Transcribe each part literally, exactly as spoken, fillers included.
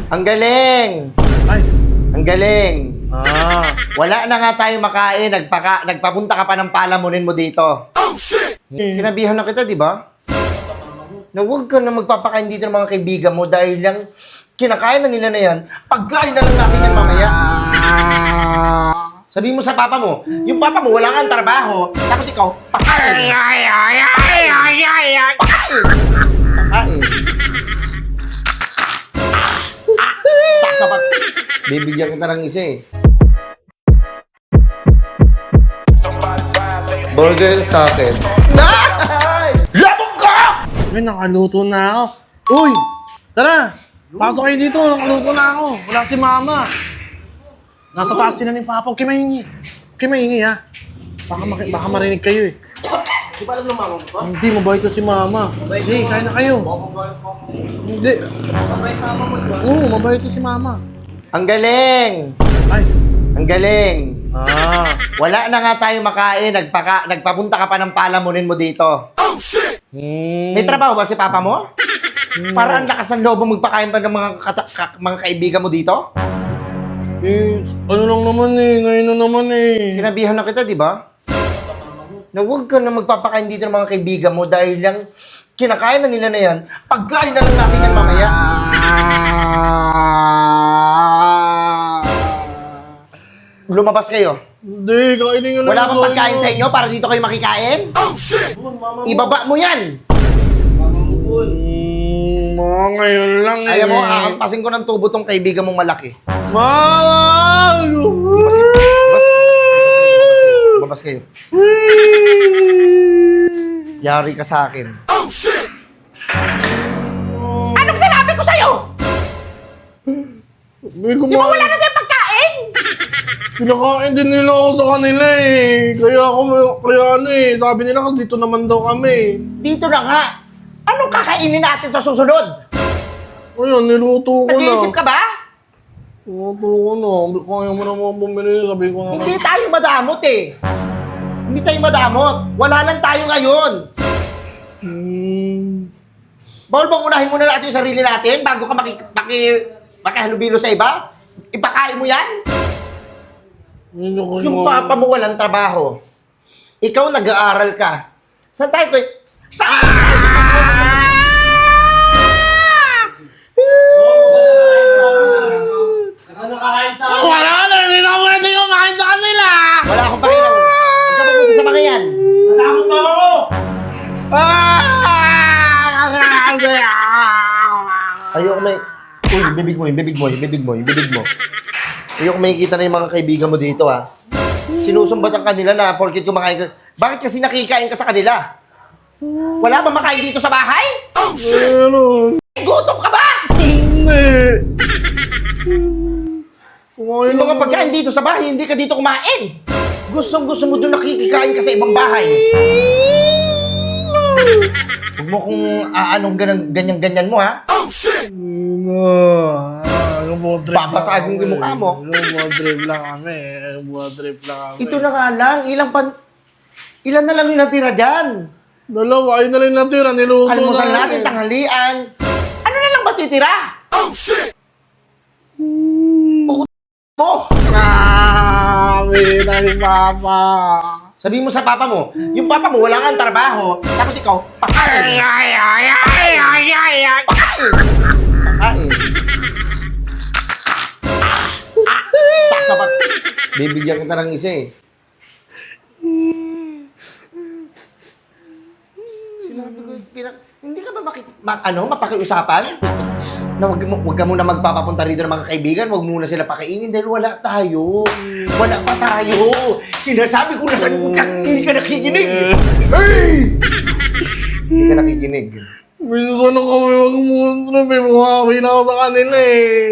Ang galing! Ay! Ang galing! Ah! Wala na nga tayo makain, nagpaka, nagpapunta ka pa ng palamunin mo dito. Oh, shit! Sinabihan na kita, di ba? Na huwag ka na magpapakain dito ng mga kaibigan mo dahil lang kinakain na nila na yan, pagkain na lang natin yan mamaya. Sabi mo sa papa mo, yung papa mo wala kang trabaho, tapos ikaw, pakain! Pakain! Pakain! Taksa pa. Bibigyan kita ng isa eh. Burger sa akin. Ay! Labog ka! Ay, nakaluto na ako. Uy! Tara! Pasok kayo dito, nakaluto na ako. Wala si mama. Nasa taas sila ni Papa. Huwag kayo mahingi. Huwag kayo mahingi, ha? Baka, maki- baka marinig kayo, eh. Di ba alam ng mama mo pa? Hindi, mabait ko si mama. Hindi, kain na kayo. Hindi. Mabait mama mo ba? Oo, mabait ko si mama. Ang galing! Ay! Ang galing! Ah! Wala na nga tayo makain, nagpaka, nagpapunta ka pa ng palamunin mo dito. Oh, shit! Hmm. May trabaho ba si papa mo? Para ang lakas ng loob mo magpakain pa ng mga, kata- ka- mga kaibigan mo dito? Eh, ano lang naman eh. Ngayon na naman eh. Sinabihan na kita, di ba? Na huwag ka na magpapakain dito ng mga kaibigan mo dahil lang kinakain na nila na yan, pagkain na lang natin yan mamaya. Lumabas kayo. Hindi, kainin nyo na Wala lang bang pagkain kayo. sa inyo para dito kayo makikain? Oh, shit! Ibaba mo yan! Hmm, mga ngayon lang eh. Ayaw mo, akampasin ko ng tubo tong kaibigan mong malaki. Mama! Babas kayo. Yari ka sa akin. Oh, shit! Anong sinabi ko sa'yo? Di Di ba wala na tayong pagkain? Pinakain din nila ako sa kanila eh. Kaya ako, kaya ano eh. Sabi nila kasi dito naman daw kami. Dito na nga. Anong kakainin natin sa susunod? Ayun, niluto ko na. Nag-iisip ka ba? Niluto ko na. Kaya mo naman bumili. Sabi ko naman. Hindi tayo madamot eh. Hindi tayo madamot. Wala lang tayo ngayon. Hmm. Bawal bang unahin muna natin yung sarili natin bago ka maki, maki, makihalubilo sa iba? Ipakain mo yan? Yun ako Yung papa mo walang trabaho. Ikaw nag-aaral ka. Saan tayo ko? Saan? Ano kakain sa Oh, wala na. Hindi na pwede yung kain sa kanila. Wala akong pakialam. Huwag ka pupunta sa mga yan. Masama mo ako! Ayoko may... Uy, yung bibig mo, yung bibig mo, yung bibig mo, yung bibig mo. Ayoko makikita na yung mga kaibigan mo dito, ha? Sinusumbatan kanila na porkit kumakain ka. Bakit kasi nakikain ka sa kanila? Wala ba makain dito sa bahay? Oh, shit! Meron. Gutom ka ba? Hindi. Kumain Yung mga lang pagkain dito sa bahay, hindi ka dito kumain. Gustong gusto mo doon nakikikain ka sa ibang bahay. Huwag mo kung aanong ganyan-ganyan mo, ha? Oh, shit! Ah, nag-botrip Babasagin ko yung mukha mo. Nag-botrip lang kami. Nag-botrip lang kami. Ito na nga lang, ilang pan... Ilan na lang yung natira dyan? Dalawa, ayun na lang natira. Niluto Almusal na natin, tanghalian. Ano na lang ba titira? Oh, shit! Mo! Kami na si Papa. Sabi mo sa papa mo, yung papa mo wala kang trabaho, tapos ikaw, pakain! Pakain! Pakain! Taksa pa. Bibigyan kita ng isa eh. Sinabi ko, pinag... Hindi ka ba maki... Ma, ano, mapakiusapan? Na wag, mo, wag ka muna magpapapunta rito ng mga kaibigan, wag muna sila pakainin dahil wala tayo. Wala pa tayo. Sinasabi ko na saan ko ka, hindi ka nakikinig. Hey! Hindi ka nakikinig. Minsan na kami mag-moontrip eh. Bumawi na ako sa kanila eh.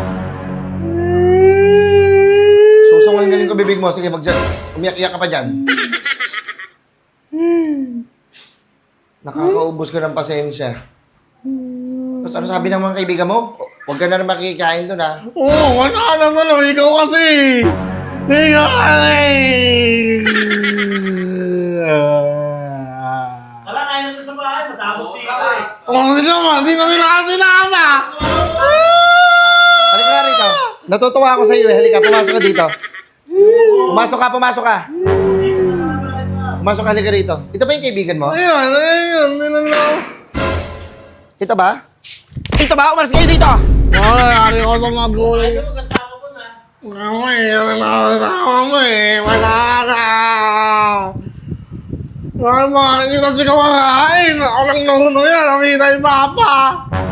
Susungulin galing ko bibig mo. Sige, mag umiyak-iyak ka pa dyan. Nakakaubos ka ng pasensya. Tapos ano sabi ng mga kaibigan mo? Huwag ka na rin makikain doon, ha? Oo, oh, wala na ano. Ikaw kasi. Ikaw kasi. Wala kaya nito sa bahay, matabot dito eh. Oh, hindi naman. Hindi na nila kasi nama. Natutuwa ako sa iyo. eh. Halika, pumasok ka dito. Pumasok ka, pumasok ka. Pumasok ka, halika rito. Ito ba yung kaibigan mo? Ayan, ayan, ninalaw. Ito ba? Ito ba? Umalis kayo dito! Wala, yari ko sa magulang. Ayaw mo kasama mo na. Ako eh, nalawa mo eh. Wala na. Wala mo, hindi kasi kumakain. Ako lang nahuno yan. Amina yung papa.